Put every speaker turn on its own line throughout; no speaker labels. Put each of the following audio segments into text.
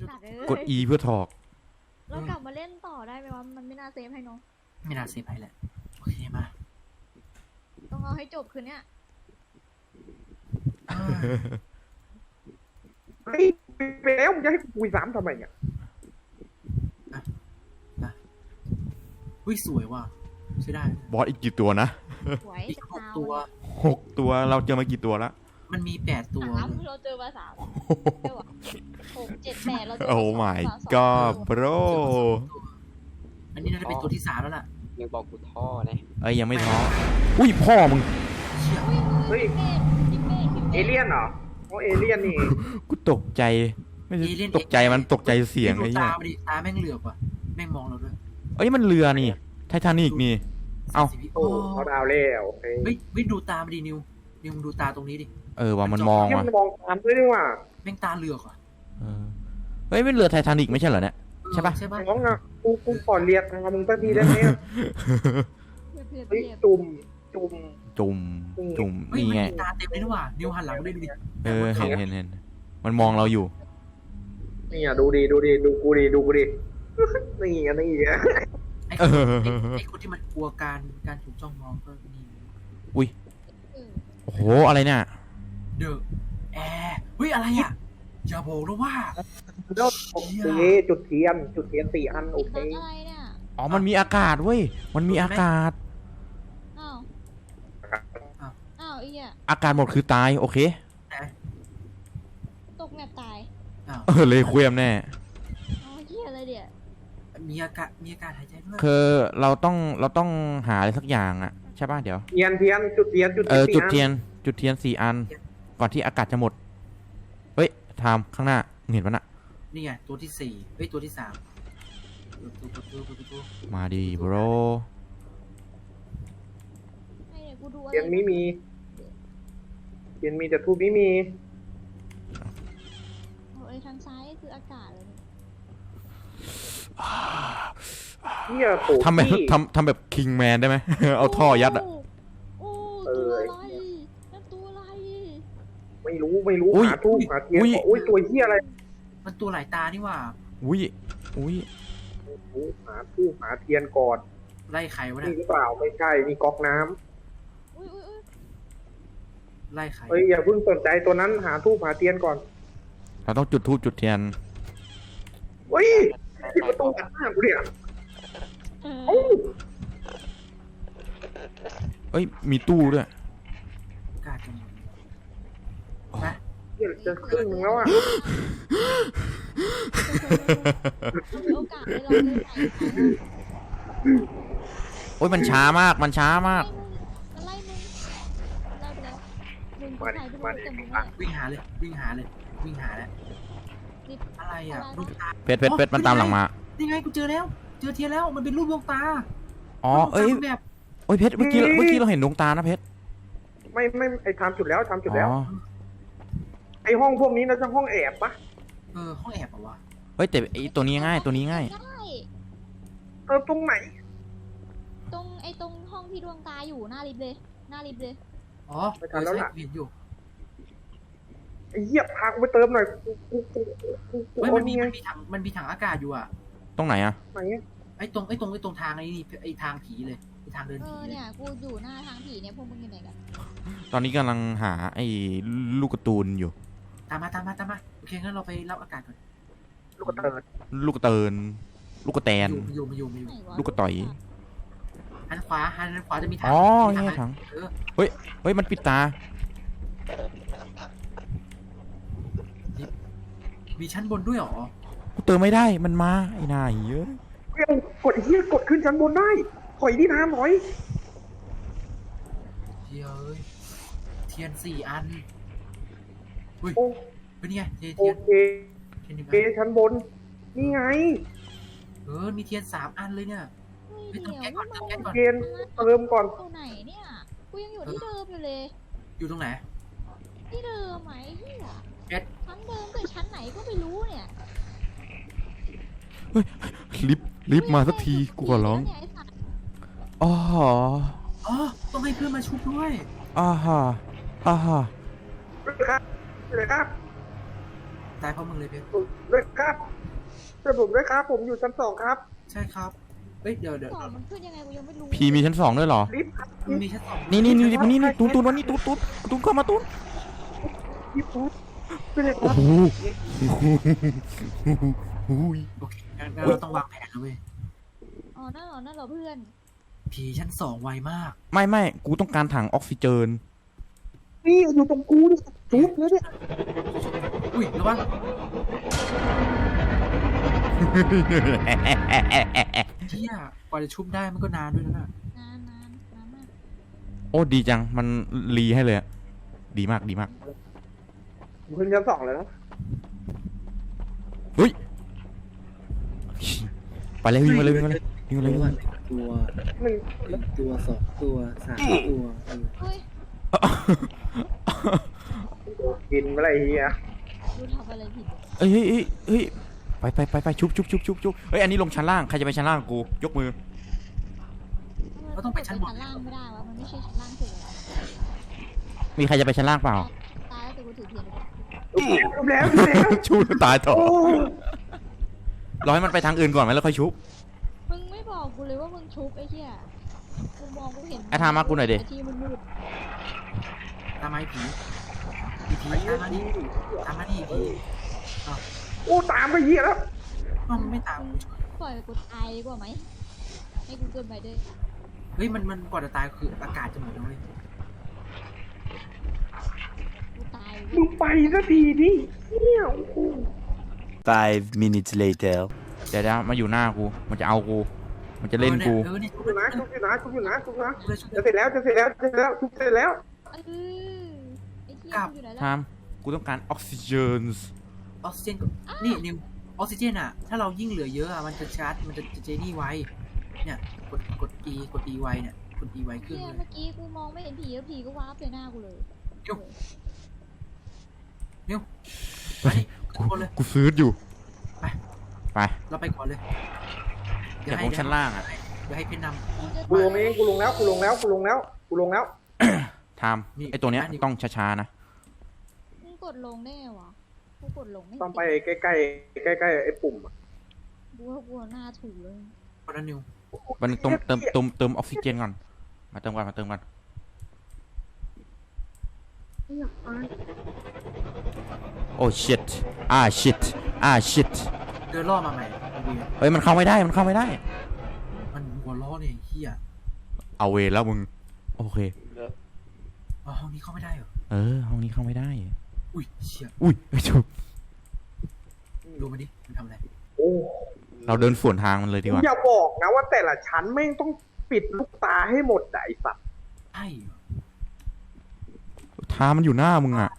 สัตว์
กด E เพื่อถอก
เรากลับมาเล่นต่อได้ไหมวะมันไม่น่าเซฟให้น้อง
ไม่น่าเซฟให้แหละโอเคมา
ต้องเอาให้จบคืนเนี้ย
เฮ้ยไปแล้วมึงจะให้คุยซ้ำทำไมเนี่ย
วิสวยว่ะใช่ได้
บอสอีกกี่ตัวนะ
สวย
อีก
จะ
6 ตัว
ตัวเราเจอมากี่ตัวละ
มันมี8 ตัว
เราเจอมา3 6 7 8เราเจอ
โอ้ my god bro
อันนี้น่าจะเป็นตัวที่3แล้วล่ะ
ยังบอกกูท่อนะ
ยังไม่ท้ออุ้ยพ่อมึง
เฮ้ยเอเลี่ยนเหรอโอ้เอเลี่ยนนี่
กูตกใจไม่ใช่ตกใจมันตกใจเสียงไอ้เนี่ย
ตาแม่งเหลือบว่ะแม่งมองเราด้วย
มันเรือนี่ไททานิกนี่
โอ้เขาดาวเล่
เฮ้ยดูตามาดินิวมึงดูตาตรงนี้ดิ
ว่ามันมองว่ะ
มันมองตามด้วยนี่ว่ะ
แม่งตาเหลือกว่ะ
เป็นเรือไททานิกไม่ใช่เหรอเนี่ยใช่ปะ
น้องอ่ะกูขอเรียกนะมึงตั้งทีได้ไหมจุ่ม
นี่ไง
ตาเต็มเลยนี่ว่ะนิวหันหลังได้ดูดิ
เห็นมันมองเราอยู่
นี่อ่ะดูกูดินี่อ่ะ
ไอ้คนที่มันกลัวการถูกจ้องมองก็นี่
อุ้ยโอ้โหอะไรเนี่ย
เดอะแอร์เฮ้ยอะไรอ่ะอย่าบอกนะว่า
จุดเทียน4 อันโอเค
มันมีอากาศเว้ยมันมีอากาศอากาศหมดคือตายโอเค
ตกแมปตาย
เลยเควียมแน่
เหี้ยอะไรเดี๋ย
มีอากาศหายใจด้วย
คือเราต้องหาอะไรสักอย่างอ่ะใช่ป่ะเดี๋ยว
เทียนจุดเทียน
จุดเทียน4 อันก่อนที่อากาศจะหมดเฮ้ยทามข้างหน้าเห็นปะน่ะ
นี่ไงตัวที่4เฮ้ยตัวที่3
มาดิโบร
เทียนไม่มีแต่ทูบไม่มี
ทางซ้ายคืออากาศเลย
เนี่ย
ทำแบบคิงแมนได้ไหมเอาท่อยัดอ่ะ
ตัวอะไร
ไม่รู้หาทูบหาเทียนตัวเหี้ยอะไร
มันตัวหลายตานี่ว่า
อุ้ย
หาทูบหาเทียนก่อน
ไล่ใครวะเนี่ย
นี่หรือเปล่าไม่ใช่นี่ก๊อกน้ำ
ไล่ใคร
อย่าเพิ่งสนใจตัวนั้นหาทูบหาเทียนก่อน
เราต้องจุดธูปจุดเทียน
ที่ประตูอัดหน้ากูเนี่ย
มีตู้ด้วย
กาดกัน
นะจะครึ่งนึงแล้วอ่ะ
โอกาสให้เราได้ใส่
มันช้ามากไล่มึง
มา
วิ่งหาเลยแล้วอะไรอ่ะลูกตา
เพชรมันตามหลังมา
นี่ไงกูเจอเทียนแล้วมันเป็นรูปดวงตา
เพชรเมื่อกี้เราเห็นดวงตานะเพชร
ไม่ไอ้ทำจุดแล้วไอ้ห้องพวกนี้น่าจะห้องแอบปะ
ห้องแอบปะวะ
แต่ไอ้ตัวนี้ง่าย
ตรงไหน
ตรงห้องที่ดวงตาอยู่หน้าลิฟต์เลย
ไปทันแล้วล่ะเห็นอยู่
ไอ้เหี้ยพากูไปเติมหน่อย
มันมีถังอากาศอยู่อ่ะ
ตรงไหนอ่ะ
ไอ้ตรงทางไอ้ทางผีเลยไอ้ทางเดินผี
เนี่ยกูอยู่หน้าทางผีเนี่ยพวกมึงอยู่ไหนกัน
ตอนนี้กำลังหาไอ้ลูกกระตูนอยู่
ตามมาโอเคงั้นเราไปรับอากาศก่อน
ลูกกระแตนลูกกระต่อย
หันขวาจะมีถัง
นี่ถังเฮ้ยมันปิดตา
มีชั้นบนด้วยหรอ
กูเติมไม่ได้มันมาไอ้นายเยอะ
กดขึ้นชั้นบนได้ถอยดิทามถอย
เทียน4 อันอุ้ยเป็นไงเทียน
ชั้นบนนี่ไง
มีเทียน3 อันเลยเนี่ยไปเติมแก๊สก่อน
เทียนเติมก่อน
ตรงไหนเนี่ยกูยังอยู่ที่เดิมอยู่เลย
อยู่ตรงไหน
ที่เดิมไหมที่ชั้นเดิมแต่ชั้นไหนก็ไม่รู้เนี่ย
ลิฟต์มาสักทีกูขอร้อง
ต้องให้เพื่อนมาชุบด้วย
เลยครับ
ตายเพราะมึงเลยเพชร
เลยครับช่วยผมด้วยครับ ผมอยู่ชั้นสองครับ
ใช่ครับเอ้ยเดี๋ยว
สองมันขึ้นยังไงกูยังไม่รู้
พีมีชั้น 2ด้วยเหรอ
ลิฟต์ครับ
มันมีชั้นสอง
นี่ตูนวันนี้ตูนเข้ามาตูน
ลิฟต์ครับช่วยเลยค
โอ้
รับ
โห
โอเคงั้นเราต้องวางแผนนะเว้ย
อ๋อนั่นเหรอเพื่อน
ผีชั้นสองไวมาก
ไม่กูต้องการถังออกซิเจน
นี่อยู่ตรงกูเนี่ยจุ๊บเลยเนี่ย
อุ้ยระวัง เที่ยกว่าจะชุบได้มันก็นานด้วยนะน่ะ
นานมาก
โอ้ดีจังมันรีให้เลยอะดีมาก
ผมขึ้นชั้นสองเลยนะ
เฮ้ยไปเลยวิ่งมาเลย
ตัว
วิ่ง
ตัว
หนึ่ง
ตัวสองตัวสามตัว
เฮ้ย
กินอะไรเฮีย
กูทำอะไรผิด
เฮ้ยไปชุบเฮ้ยอันนี้ลงชั้นล่างใครจะไปชั้นล่างกูยกมือ
เราต้องไปชั้นบน
ล่างไม่ได้วะมันไม่ใช่ชั้นล่างสุดเลย
มีใครจะไปชั้นล่างเปล่า
ตายแล้วแต่กูถือเทียนเลย
จุ๊บแล้ว
ชูตายต่อ
โอ้
รอให้มันไปทางอื่นก่อนไหมแล้วค่อยชุบ
มึงไม่บอกกูเลยว่ามึงชุบไอ้เหี้ยกูมองกูเห็น
ไอ้ทามากูหน่อยดิ
ไที่มันมืด
ตามมาไอ้ผีตามมาดิผี
โอ้ตามไปเฮียแล้ว
อ้าวมันไม่ตาม
ปล่อยกูตายดีกว่าไหมให้กูเกินไปด้วย
เฮ้ยมันก่อนจะตายคืออากาศจะหมดแล้วเว้ย
กูตาย
มึงไปสักทีดิเฮียโอ้โห
5 minutes later.
เดี๋ยวมาอยู่หน้ากูมันจะเอากูมันจะเล่นกู
เนี่ย
ชุบอยู่นะชุบอยู่นะชุบอยู่นะชุบนะ
เลยชุบ
จะเสร็จแล้วชุบเสร็จแล้ว
ไอ้เหี้ย
กลับ
กูอยู่ไหน
ทา
แล้ว
มกูต้องการออกซิเจน
ออกซิเจนนี่นิวออกซิเจนอ่ะถ้าเรายิ่งเหลือเยอะอ่ะมันจะชาร์จมันจะเจนี่ไวเนี่ยกด E ไวเนี่ยกด E ไวขึ้น
เหี้ย
เลย
เมื่อกี้กูมองไม่เห็นผีแล้วผีก็วาร์ปใส่หน้ากูเลย
มาดิทุกคนเลย
กูซื้ออยู่
ไป
ไป
เราไปก่อนเลย
เดี๋ยวผมชั้นล่างอ่ะ
เดี๋ยวให้เพชรน
กูจะ
กูลงเองกูลงแล้ว
ทามไอตัวเนี้ยต้องช้าๆนะ
มึงกดลงได้ไงวะกูกดลงไม่
ต้องไปใกล้ไอ้ปุ่ม
กูว่ากูหน้าถูเลย
ำคนนั้นนิว
มันเติมออกซิเจนก่อนมาเติมก่อนโอ้ shit shit
เดินล่อมาใหม่ดู
เฮ้ยมันเข้าไม่ได้
มันหัวล้อเนี่ยเฮีย
เอาเวรแล้วมึงโอเค
อ๋อห้องนี้เข้าไม่ได้เหรอ
ห้องนี้เข้าไม่ได้
อุ้ยเชี่ย
อุ้ยไอ้ชุบ
ดูมาดิมันทำอะไร
โอ้
เราเดินสวนทางมันเลยดีกว่า
อย่าบอกนะว่าแต่ละชั้นแม่งต้องปิดลูกตาให้หมดไอ้สัตว์
ใช่เหรอ
ทางมันอยู่หน้ามึงอ่ะ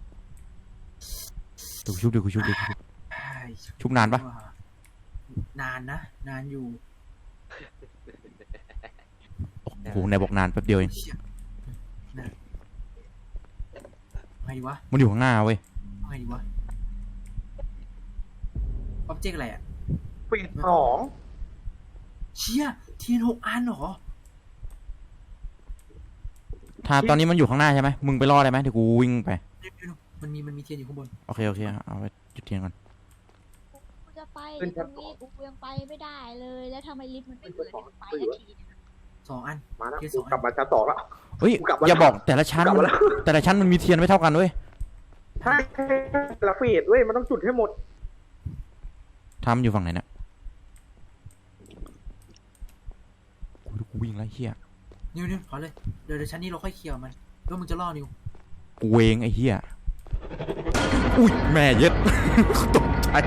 เดี๋ยวกูชุบ
ใช่
ชุบนานปะ
นานนะนานอยู่
โอ้โหไหนบอกนานแป๊บเดียวเอง
เชี่ยนะไงดีวะ
มันอยู่ข้างหน้าเว้ย
ไงดีวะออบเจกต์อะไรอ่ะ
ปิดสอง
เชี่ยเทียน6 อันเหรอ
ทางตอนนี้มันอยู่ข้างหน้าใช่ไหมมึงไปรอได้ไหมเดี๋ยวกูวิ่งไป
เดี๋ยวมันมีเทียนอยู่ข้างบน
โอเคเอาไปจุดเทียนก่อน
กูจะไปตรงนี้กูยังไปไม่ได้เลย แล้วทำไมลิฟต์มันไม่เปิดให้กูไปสักทีเนี่ย
2 อัน
มาแล้ว
เทียน
กู
2
กลับมาชั้นสองแล้ว
เฮ้ย
กูกลับมา
อย่าบอกแต่ละชั้น
กลับมาแล้ว
แต่ละชั้นมันมีเทียนไม่เท่ากันเว้ย
ใช่ละเฟดเว้ยมันต้องจุดให้หมด
ทำอยู่ฝั่งไหนเนี่ยกูวิ่งไล่เหี้ย
นิวขอเลยเดี๋ยวชั้นนี้เราค่อยเคลียร์มันแล้วมึงจะล่อนิว
กูเวงไอ้เหี้ยอุ้ยแม่เย็ด ตกใจ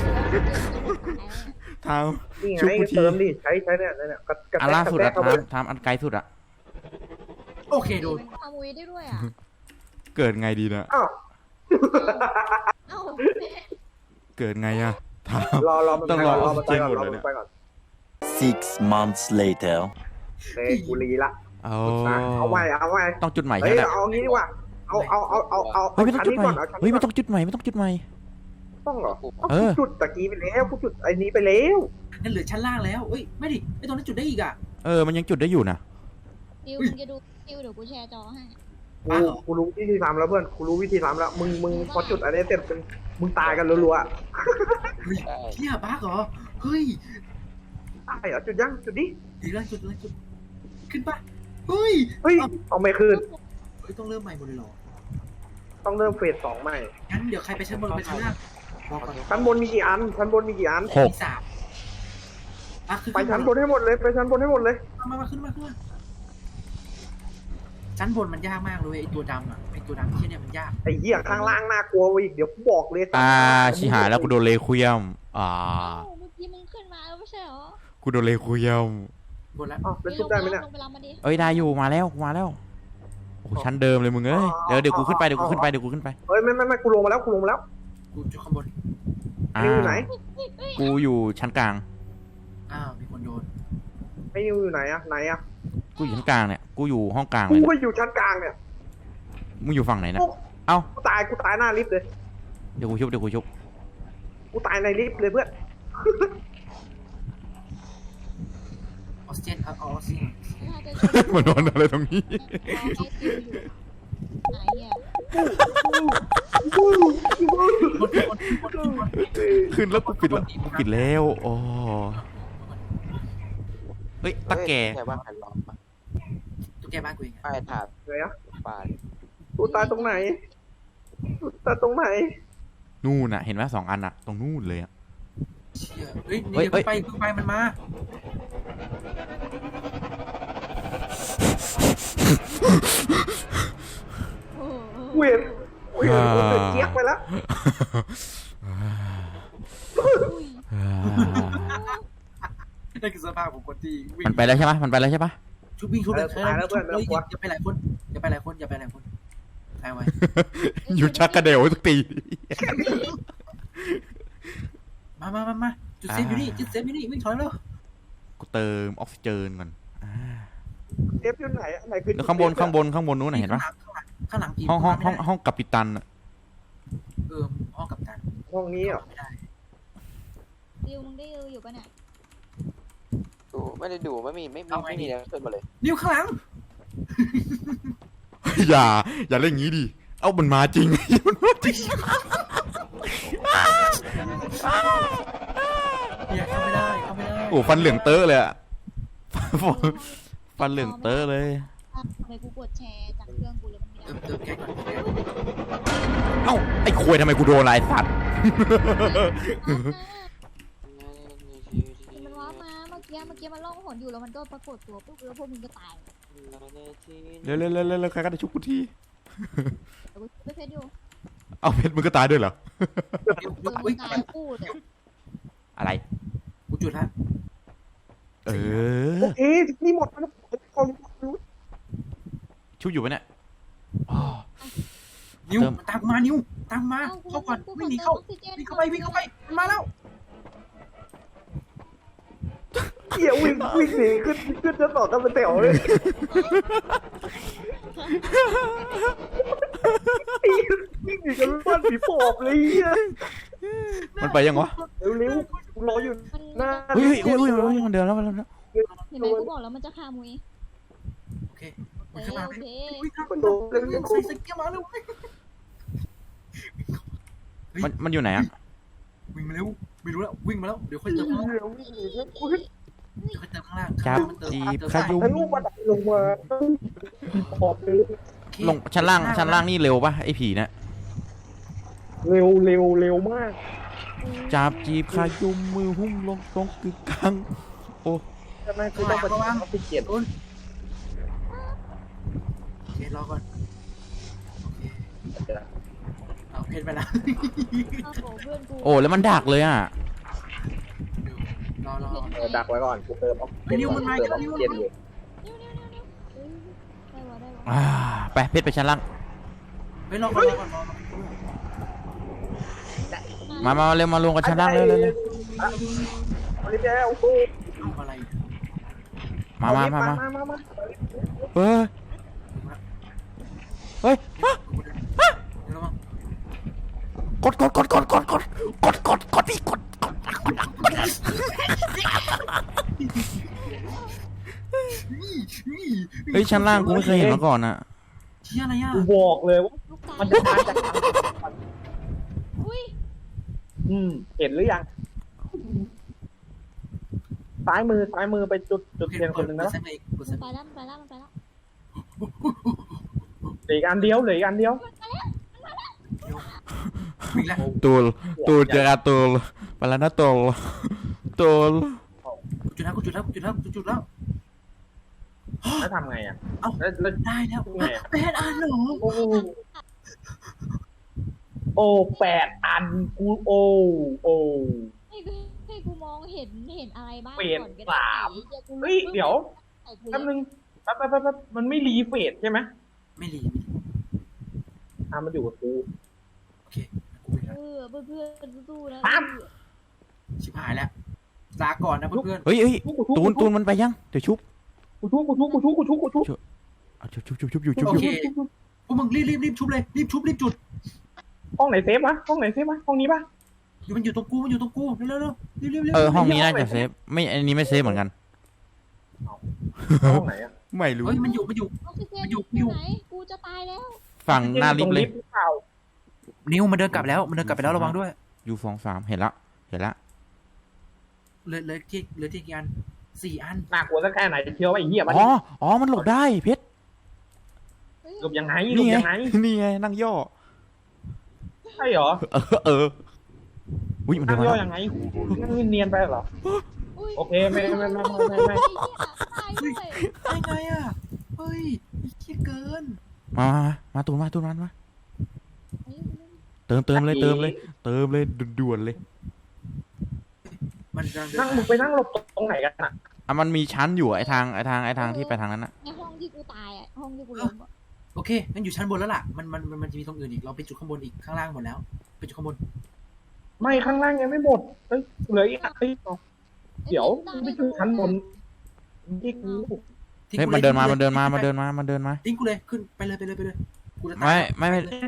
ทาม
นี่ไง
ชุบกูที
เติมดิใช้เนี่ยกระ
อัน
แทก
ล่าสุดอะ
เข้าไป
ทามอันไกลสุดอะ
โอเคโดน
มันขโมยได้ด้วยอ่ะ
เกิดไงดีนะ
อ้าว
เอ้า
เกิดไงอะทาม
รอมัน
ต้อง
ไป
ร
ก่
อ
อน
อ
ร
อ
อก
ซิ
มัน
เจ
ไป
น
ก่อน
หมด
รอ
เลย
มั
เนี่ย
นไปก่อน
6 months later.
เฮ้ยกูรีละ
เอา
เอาใหม่
ต้องจุดใหม่
เฮ้
ใช่
ย
ไหม
เอางี้ดีกว่าเอา
เฮ้ยไม่ต้อง
ชั้น
จุด
นี้
ใหม่
ก่อนเอาชั้น
เฮ้ย
นี้
ไม่
ก่
ต้
อ
อน งจุดใหม่ไม่ต้องจุดใหม่
ต้องเหรอ
เออ
กูจุดตะกี้ไปแล้วกูจุดไอ้นี้ไปแล้ว
นั่นเหลือชั้นล่างแล้วเอ้ยไม่ดิไอตรงนั้นจุดได้อีกอ่ะ
มันยังจุดได้อยู่นะ
ดิวมึงจะดูดิวเดี๋ยวกูแชร์จอให้
กูรู้วิธีทำแล้วเพื่อนกูรู้วิธีทำแล้วมึงพอจุดอะไรเสร็จมึงตายกันรัวๆอะ
เฮ้ยเที่ยบ้าเหรอเฮ้ย
ตายเหรอจุดยังจุดดิ
ดีแล้วจุดเลยจุดขึ้นปะเฮ้ย
เฮ้ยเอาไม่คืน
เฮ้ยต้องเริ่มใหม่หมดเลยเหรอ
ต้องเริ่มเฟส2ใหม่
งั้นเดี๋ยวใครไปชั้นบนไปชั้นล่างบอกก่อน
ชั้นบนมีกี่อันชั้นบนมีกี่อัน
หก
มี3อ่ะคือ
ไปชั้นบนให้หมดเลยไปชั้นบนให้หมดเลย
มาขึ้นมาชั้นบนมันยากมากเลยไอตัวดำอ่ะไอตัวดำที่เนี่ยมันยาก
ไอ้เหี้ยข้างล่างน่ากลัวอีกเดี๋ยวกูบอกเลย
ชิหายแล้วกูโดนเลคุยม
เอ้าเมื่อกี้มึงขึ้นมาแล้วไม่ใช่เหรอ
กูโดนเลคุยม
บนแล้ว
อ๋อเป็นชุบได้ไหมเนี่ย
ลงไปรับมาดิ
เอ้ยได้อยู่มาแล้วโอ้โหชั้นเดิมเลยมึงเอ้ยเดี๋ยวกูขึ้นไปเดี๋ยวกูขึ้นไป
เฮ้ยไม่กูลงมาแล้วกูลงมาแล้ว
กูจุดข้างบน
นิวอยู่ไหน
กูอยู่ชั้นกลาง
อ้าวมีคนโดน
ไอ้นิวอยู่ไหนอะไหนอะ
กูอยู่ชั้นกลางเนี่ยกูอยู่ห้องกลาง
กู
เลย
ก็อยู่ชั้นกลางเนี่ย
มึงอยู่ฝั่งไหนนะเอ้า
กูตายหน้าลิฟต์เลย
เดี๋ยวกูชุบ
กูตายในลิฟต์เลยเพื่อน
ออกซิเจนเอาออกซิเจน
ถ้าจะช่วย
มานอนอะไรตรงนี้
รอให้ติวอยู่ไหนเนี่ย
ขึ้นแล้วกูปิดแล้วโอ้เฮ้ยตะแก
แค่ว่าใครล้อมปะ
ตุ๊กแกบ้านกูเอง
ป้ายถาด
ไหนอะ
ป่า
กูตายตรงไหนกูตายตรงไหน
นู่นน่ะเห็นไหม2 อันน่ะตรงนู่นเลยอะ
เชี่ยเฮ้ย
เฮ้ย
เดี๋ยวไปมันมา
โอ้โห
เวียนกูเดือดเจี๊ยกไปแล้ว
อุ้ย
นั่นคือสภาพของคนที่วิ่ง
มันไปแล้วใช่ปะ
ชุบวิ่งชุบเลย
ตายแล้วเพื่อน
อย่าไปหลายคนใครไว้
อยู่ชักกระเดวทุกที
มาจุดเซฟอยู่นี่วิ่งถอยเร็ว
กูเติมออกซิเจนก่อน
เซฟอยู่ไหนอะไหนคือ
แล้วข้างบนนู้นน่ะเห็นปะ
ข้างหลัง
ห้องกัปตันอะ
ห้องกับตัน
ห้องนี้เหรอ
ไม่ได้
ติวมึงได้อยู่ปะเนี่ย
ดูไม่ได้ดูไม่มีแล้วขึ้นมาเลย
นิ้วข้างหลัง
อย่าเล่นงี้ดิเอามันมาจริง
เนี่ยเข้าไม่ได้
โอ้ฟันเหลืองเตอะเลยอะฟันเหลืองเตอะเลย
ทำไมกูกดแชร์จากเครื่องกูแล้วมันไม่ได้
เติมแก๊สก่อน
เอ้าไอ้ควยทำไมกูโดนลายสัตว์
มันว้ามาเมื่อกี้มันล่องหนอยู่แล้วมันก็ปรากฏตัวปุ๊บแล้วพวกมึงก็ตาย
เร็วใครก็ได้ชุบกูที
แต่กูไปเพชรอยู่
เอาเพชรมึงก็ตายด้วยเหรอ
มึงตายคู่เลย
อะไร
กูจุดแล้ว
เออ
โอเคนี่หมดแล้วเขารู้
ชุบอยู่ปะเนี่ยอ๋อ
นิ้วตามมานิ้วตามมาเข้าก่อนวิ่งหนีเข้าวิ่งเข้าไปมันมาแล้ว
เหี้ยวิ่งหนีขึ้นจะต่อกันเป็นแถวเลยวิ่งหนีกันบ้านผีปอบเลยเหี้ย
มันไปยังวะ
เร็วๆรออยู่หน้า
เฮ้ยมันเดินแล้ว
เห็นไหมกูบอกแล้วมันจะฆ่ามุ้ย
โอเควิ่งเข้ามา
โอเค
วิ่งเข้ามาใส่สเกียร์มาเร็ว
มันอยู่ไหนอะ
วิ่งมาเร็วไม่รู้แล้ววิ่งมาแล้วเดี๋ยวค่อยเติมข้างล่าง
เร็ววิ่งหนีแล้วกู
เดี๋ยวค่อยเติมข้างล่าง
จับจีบขยุม
ทะลุบันไดลงมาขอบเลย
ลงชั้นล่างนี่เร็วปะไอ้ผีเนี่ย
เร็วมาก
จับจีบขยุมมือหุ้มลงตรงกึกกลางโอ้
ใช่ไหมคือต้องไปทำพิเศษ
โอเครอก่อนโอเคเอาเพชรไปแล้ว
อ้าวโหเพื่อนกู
โอ้แล้วมันดักเลยอะ
รอ
ดักไว้ก่อนกูเติมออกซิเจนอยู่
ได้วะได้วะ
ไปเพชรไปชั้นล่าง
เฮ้ยรอก่อน
มาเร็วมาลงกับชั้นล่างเร็ว
อันนี้แกโอ้โห
เอาอะไร
มา เฮ้ย
ระวัง
กดพี่กดเฮ้ยชั้นล่างกูไม่เคยเห็นมาก่อนอะ
ชี่ยอะไรอ่ะ
กูบอกเลยว่า
ลูกตา
มันจะมาจากทาง
อุ้ย
เห็นหรือยังซ้ายมือไปจุดเทียนคนหนึ่งนะ
เปิดเซฟเลยเปิดเซฟ
ไปแล้วมันไปแล้ว
เหลืออีกอันเดียว
วิ่งแล้ว
ตูลเจอกันตูลไปแล้วนะตูล
จุดแล้วจุดแล้ว
แล้วทำไงอ่ะ
เอ้า
แล้ว
ได้แล้ว
ไงอะ
8 อันเหรอ
โอ้8 อันกูโอ้
ให้กูมองเห็นอะไรบ้าง
เฟส
ก่อนก็
สาม เฮ้ยเดี๋ยวแป๊บนึงแป๊บมันไม่รีเฟสใช่ไหม
ไม่รี
มันอยู่กับกู
โอเคกูไปแล้ว
เพื่อนสู้ๆนะ
ปั๊บ
ชิบหายแล้วลาก่อนนะเพื่อน
เฮ้ยตูนมันไปยังเดี๋ยวชุบ
กูทุบ
เอาชุบอยู่
โอเคพวกมึงรีบชุบเลยรีบชุบรีบจุด
ห้องไหนเซฟวะห้องนี้ปะ
มันอยู่ตรงกูเร็วรีบ
ห้องนี้น่าจะเซฟไม่อันนี้ไม่เซฟเหมือนกัน
ห้องไหนอ่ะ
ไม่รู้
เฮ้ยมันอยู่
ออกซิเจน
อยู่
อยู่ไหนกูจะตายแล้ว
ฝั่งหน้าลิฟต์เลย
หรือเปล่า
นิวมันเดินกลับแล้วระวังด้วย
อยู่2-3เห็นละ
เลยที่กี่อัน4 อัน
น่ากลัวสักแค่ไหนเชียวไอ้เหี้ยมัน
อ๋อมันหลบได้เพชร
หลบยังไง
นี่ไงนั่งย่อ
ใช่เหรอ
อุ้ยมันเดิ
นั่
น
ง
มา
ย่อ
แล้ว
ยังไงนั่งเนียนไปเหรอ โอเคไม่
ตายด้วย
ได้ไงอ่ะเฮ้ยเหี้ยเกิน
มาตูนมาเติมเลยด่วนเลย
มันจะ
นั่งมึงไปนั่งหลบตรงไหนกันอ่ะ
มันมีชั้นอยู่ไอทางที่ไปทางนั้นนะ
ในห้องที่กูตายอ่ะห้องที่กูล้มอ่ะ
โอเคงั้นอยู่ชั้นบนแล้วล่ะมันจะมีตรงอื่นอีกเราไปจุดข้างบนอีกข้างล่างหมดแล้วไปจุดข้างบน
ไม่ข้างล่างยังไม่หมดเหลืออีกเดี๋ยวมึงไปดูชั้นบนที่กู
เฮ้ยมันเดินมา
ทิ้งกูเลยขึ้นไปเลยกูจะตาย
ไม่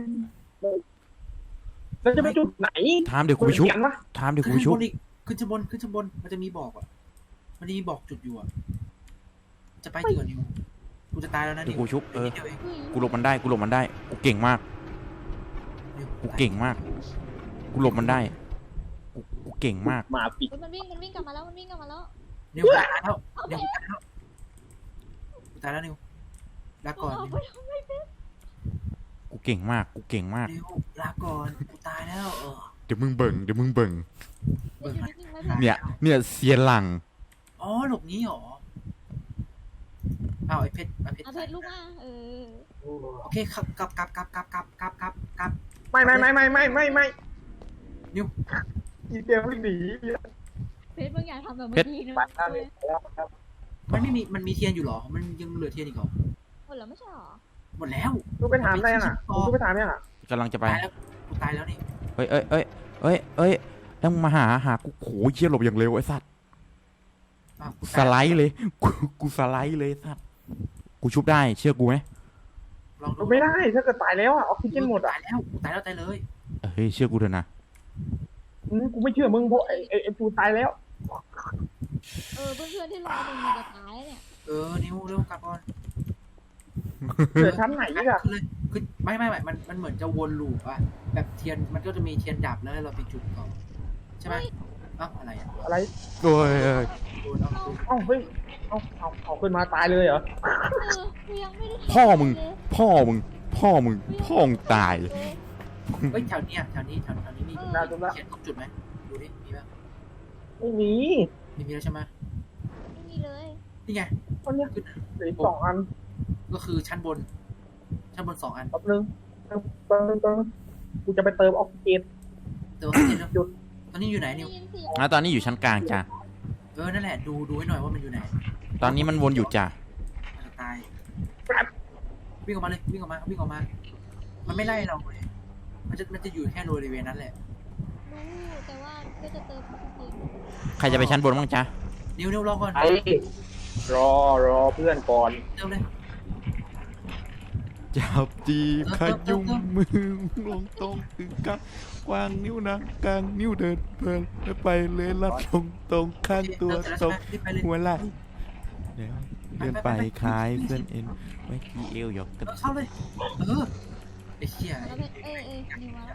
แล้วจะไปจุดไหน
ถามเดี๋ยวกูไปชุบ
วะ
ขึ้นชั้นบนอีกขึ้นชั้นบนมันจะมีบอกอ่ะมันจะมีบอกจุดอยู่อ่ะจะไปจริงเหรอนิวกูจะตายแล้วนะ
เดี๋
นิ
ยว วกูชุบ
เดี๋ยวเอง
กูหลบมันได้กูเก่งมากกูเก่งมากกูหลบมันได้กูเก่งมาก
มาปิด
มันวิ่งกลับมาแล้ว
นิวตายแล้วกูตายแล้วนิวลาก่อนนิว
กูเก่งมาก
นิวลาก่อนกูตายแล้ว
เดี๋ยวมึงเบิ่ง
เบิ่งมัน
เนี่ยเสียหลัง
อ๋อหลบนี้หรอเอาไอ้เพชร
เอาเพชรลูกมา
โอเคกลับ
ไม่
นิว
อีเดียววิ่งหนี
เพชรบางอย่างทำแบบเมื่อกี้นะ
ปัดแล้ว
มันมีเทียนอยู่หรอมันยังเหลือเทียนอีกหรอ
หมดแล้วไม่ใช่หรอ
หมดแล้ว
กูไปถามอะไรน่ะกูไปถามยังอ่ะ
กำลังจะไป
ตายแล้วกูตายแล้วนี่
เอ้ยแล้วมึงมาหากูโหเชี่ยหลบอย่างเร็วไอ้สัตว์สไลด์เลยกูสไลด์เลยสัตว์กูชุบได้เชื่อกูไหม
ลองดู
ไม่ได้ถ้าเกิดตายแล้วอ่ะออกซิเจนหมดอ่ะ
ตายแล้วตายเลย
เฮ้ยเชื่อกูเถอะนะ
กูไม่เชื่อมึงเพราะไอ้ปูตายแล้ว
เพื่อนที่รอมึงมันจะตายเนี่ย
นิวเร็วกลับก่อน
เหลือชั้นไหนอีกอ่ะ
คือไม่มันเหมือนจะวนลูปอะแบบเทียนมันก็จะมีเทียนดับแล้วเราไปจุดก่อนใช่ไหมอะไรอะ
อะไร
โอ้ย
โดนเอา
เอ้าเฮ้ยเอาขึ้นมาตายเลยเหรอ
กูยังไม่ได้
พ่อมึงตาย
เฮ้ยแถวนี้มีเทียนครบจุดไหมดูดิมีป่ะ
ไม่มี
มีแล้วใช่ไหม
ไม่มีเลย
นี่ไง
คนเนี้ย
ขึ้น
เหลือ2 อัน
ก็คือชั้นบน2 อัน
แป๊บนึงกูจะไปเติมออกซิเจน
เติมออกซิเจนแล้ว
จุด
ตอนนี้อยู่ไหนนิว
ได้ยินเสียง
ตอนนี้อยู่ชั้นกลางจ้ะ
นั่นแหละดูให้หน่อยว่ามันอยู่ไหน
ตอนนี้มันวนอยู่จ้ะ
จะตายวิ่งออกมาเลยวิ่งออกมามันไม่ไล่เราเลยมันจะอยู่แค่บริเวณนั้นแหละ
รู้แต่ว่าก็จะเติมออกซิเจน
ใครจะไปชั้นบนบ้างจ๊ะ
นิวรอก่อน
ไอ้รอเพื่อนก่อน
เติมเลย
จับจีบขยุ่มมือลงตรงคือกวางนิ้วนะกลางนิ้วเดินเพลินแล้วไปเลยลัดตรงข้างตัวตรงหัวไหล่เดี๋ยวเดินไปคล้ายเส้นเอ็นไว้ที่เอวหยอกกัน
เข้าเลยไอ้เหี้ย
แล้วเป็นนิวมาแล้ว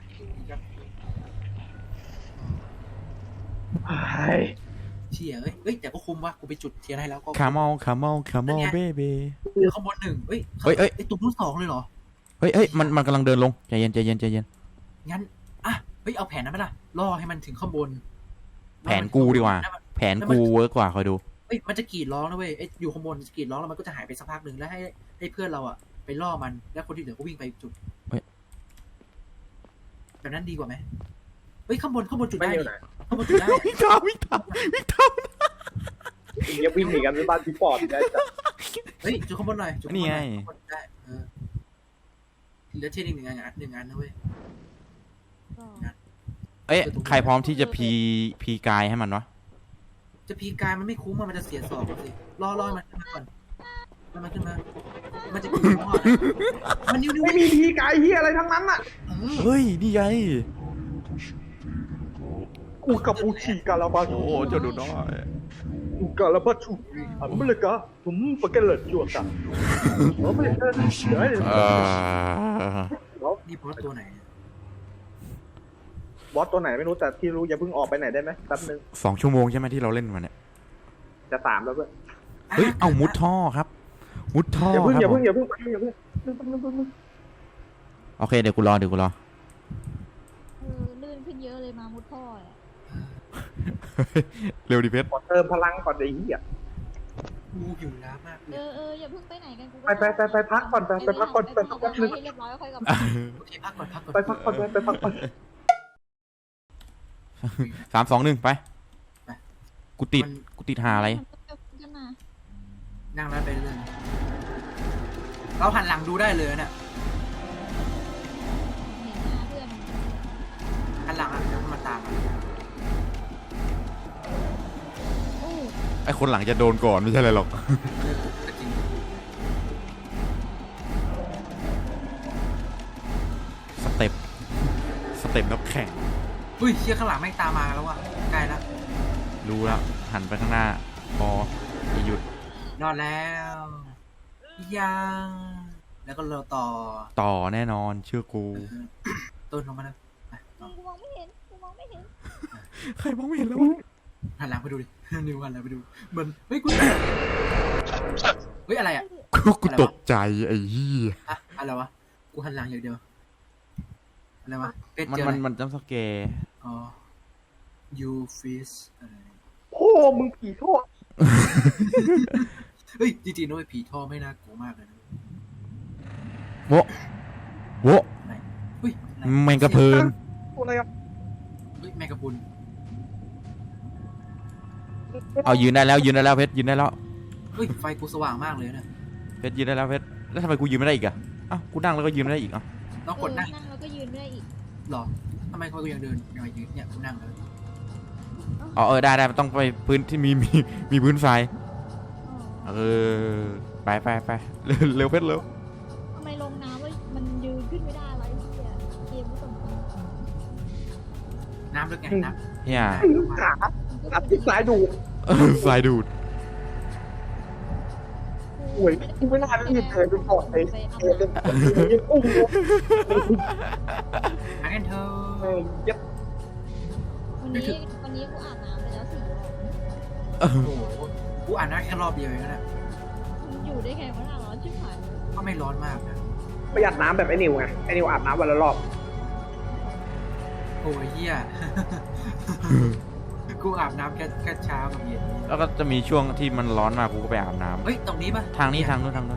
เชี่ยเอ้ยแต่ก็คุ้มวะกูไปจุดเทียนให้แล้วก็
คามอลเบเบ้
ข้างบนหนึ่งเฮ้ย
เฮ้ย
ไอ้ตุ่มรุ่นสองเลยเหรอ
เฮ้ยมันกำลังเดินลงใจเย็น
งั้นเฮ้ยเอาแผนนั้นไปละล่อให้มันถึงข้างบน
แผนกูดีกว่า แผนกูเวิร์กกว่าคอยดู
เฮ้ยมันจะกรีดร้องนะเว้ยไอ้อยู่ข้างบนจะกรีดร้องแล้วมันก็จะหายไปสักพักหนึ่งแล้วให้เพื่อนเราอะไปล่อมันแล้วคนที่เหลือก็วิ่งไปจุด
เฮ้ย
แบบนั้นดีกว่าไหมเฮ้ยข้างบนจุด
ไม่
ได้
อยู่
ดิ
ไหน
ข้างบนจุดได้
วิ่งตาม
อย่าวิ่งหนีกันไปบ้านพี่ปอดได้จ้ะ
เฮ้ยจุดข้างบนหน่อยจุดข้างบ
นี่
นห
ไง
น่อยข้างบนได้เหลือเช่นอีกหนึ่งอันนะเว้ย
ก็
เอ้ยใครพร้อมที่จะพีกายให้มันวะ
จะพีกายมันไม่คุ้มมันจะเสียสอบสิรอให้มันขึ้นมาก่อนมันขึ้นมามันจะกรีดร้องมันนิ้ว
ไม่มีทีกายเฮียอะไรทั้งนั้นอ่ะ
เฮ้ยนี่ไง
กูกับอูชีกาลาบาชู
โอ้เจ้าดูน้อย
กูกาลาบาชูผมเลยกะผมปากเกลือจวดจ้ะผมไม่ได้เดี๋ยว
นี่บอสตัวไหน
บอสตัวไหนไม่รู้แต่ที่รู้อย่าเพิ่งออกไปไหนได้ไหมแป๊บนึง
2 ชั่วโมงใช่ไหมที่เราเล่นมาเนี่ย
จะ3แล้วเพื่อน
เฮ้ยเอามุดท่อครับ มุดท่อ
อย่าเพิ่ง
ครับ
อย่า
ผ
เพิ่
ม
งอย่าเพิ่งอย่าเพิ่ง
โอเคเดี๋ยวกูรอ
ลื่นขึ้นเยอะเลยมามุดท่ออ่ะ
เร็วดิเพชร
ขอเติมพลังก่อนไอ้เหี้ย
กูหิวน้ำมากเลย
อย่าเพิ่งไปไหนกันกู
ไปพักก่อนไปพักก่อนไปพักก่อน
ให้เรียบร้อยค่อยกลับมา
โอเคพักก่อน
ไปพักก่อนไปพักก่อน
3 2 1ไปกูติดหาอะไร
ขึ้นมา
นั่งแล้วไปเรื่อยเราหันหลังดูได้เลยเนี่ย
เห็นหน้าเพื่อน
หันหลังเดี๋ยวมันมาตาม
โอ้
ไอคนหลังจะโดนก่อนไม่ใช่อะไรหรอก
ก็จริง
สเต็ปนักแข่ง
อุ้ยเชี่ยข้างหลังแม่งตามมาแล้วว่ะใกล้แล้ว
รู้แล้วหันไปข้างหน้าพอจะหยุด
รอดแล้วยังแล้วก็เรา
ต่อแน่นอนเชื่อกู
ต้นลงมาแล้วต่อ
กูมองไม่เห็น
ใครมองไม่เห็นแล้ว
หันหลังไปดูดิ นิวหันหลังไปดูมันเฮ้ยกูเฮ้ยอะไรอ่ะ
กูตกใจไอ้เหี้ย
อะไรวะกูหันหลังอย่างเดียวอะไรวะเป็ด
มัน
เจออะไร
มันจำสแกร์
อ๋อ you fish อะไร
โอ้มึงผีโทษ
เฮ้ยจริงๆนะเว้ยผีท่อไม่น่ากลัวมากเลยนะ
โวะ
เฮ้ยอะไร
แมงกะพรุน
ตัวอะไรอ่ะ
เฮ้ยแมงกะพรุน
เอายืนได้แล้วเพชรยืนได้แล้ว
เฮ้ยไฟกูสว่างมากเลยนะ
เพชรยืนได้แล้วเพชรแล้วทำไมกูยืนไม่ได้อีกอะอ้าวกูนั่งแล้วก็ยืนไม่ได้อีกอ่ะ
ต้องกดนั่ง
นั่งแล้วก็ยืนไม่ได้อีก
หรอทำไมกูยังเดินยังยืนเนี่ยกูนั่งเลย
อ๋อได้มันต้องไปพื้นที่มีพื้นทรายไปเร็วเพชรเร็ว
ทำไมลงน้ำมันยืนขึ้นไม่ได้วะไอ้เหี้ยเกมไม่สมควร
น้ำลึกไงน้
เฮีย
ไอ้ลูกขาอัดที่สายดู
ทรายดูด
โอ้ยกูไม่น่ารีบเลยไปก่อนไอ้เอเดนโอ้โห
ำหากันเธอ
ยัด
วันนี้กูอาบน้ำไปแล้ว4 รอบ
โอ้โหกูอ่านได้แค่รอบเดียวเองนะ
มันอยู่ได้ไงวะน่าร้อนชิบหายเลย
ก็ไม่ร้อนมากนะ
ประหยัดน้ำแบบไอ้นิวไงไอ้นิวอาบน้ำวันละรอบ
โอ้ยเหี้ย กูอาบน้ำแค่เช้ากับเย็น
แล้วก็จะมีช่วงที่มันร้อนมากกูก็ไปอาบน้
เฮ้ยตรงนี้ปะ
ำทางนี้ทางนู้น
เพชร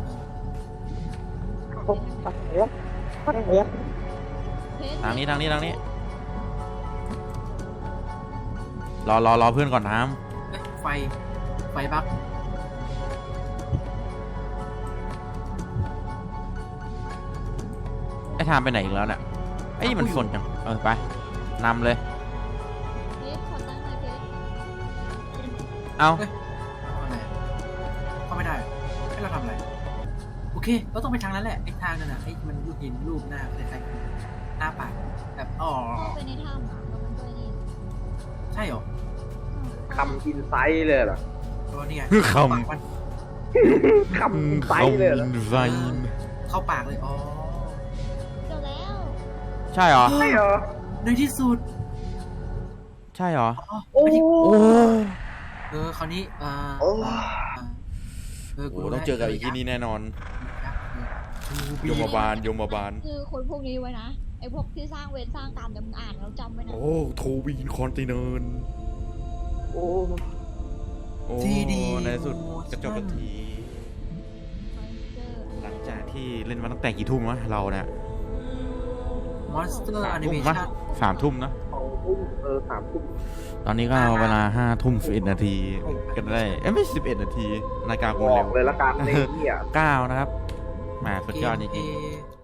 ทางนี้รอเพื่อนก่อนน้
เฮ้ยไฟบัก
ำไอ้ทางไปไหนอีกแล้วเนี่ยไอ้ยมันสนจังไปนำเลย
เพชรขอตั้งหน่อยเพชร
เอา
อะไรเข้าไม่ได้ให้เราทำอะไรโอเคเราต้องไปทางนั้นแหละไอ้ทางนั่นน่ะไอ้มันรูปหินรูปหน้าคล้ายๆหน้าปากแบบอ๋อ
เข้าไปในถ้ำอ่ะแล้วมันก็นี่
ใช่เหรอ
คำอินไซต์เลยเหรอ
เพราะนี่ไง
ค
ปากมัน
ำ
คำไซเลยเหรอ
ไซ
เข้าปากเลยอ๋อ
เจอแล้ว
ใช่เหรอ
ใช่เหรอ
ในที่สุด
ใช่เหรอ
โอ้
โอ้
คราวนี้
โอ้
กู
โห
รู้
ต้องเจอกับไอ้ที่นี่แน่นอน
ยั
ย
กษ์
มบาลยมบาล
คือคนพวกนี้ไว้นะไอ้พวกที่สร้างเวรสร้างกรรมเดี๋ยวมึงอ่านแล้วจำไว้นะ
โอ้โทวีนคอนติเนน
โอ้
โอ้
ที่ดี
ในที่สุดกระจบกันที
เจอ
หลังจากที่เล่นมาตั้งแต่กี่ทุ่มวะเราเนี่ย
มอนสเตอร์แอนิ
ทุ่
เม
มปะ
ชั่น
3 ทุ่มนะ
3 ทุ่ม
ตอนนี้ก็เวลา5 ทุ่ม 11 นาทีกันได้ไม่11 นาทีนาฬิกา
บ
กู
อ
เร็
ก
ว
เลยละกันในเหี้ย
9 นะครับแหมสุดยอดจริง
ๆ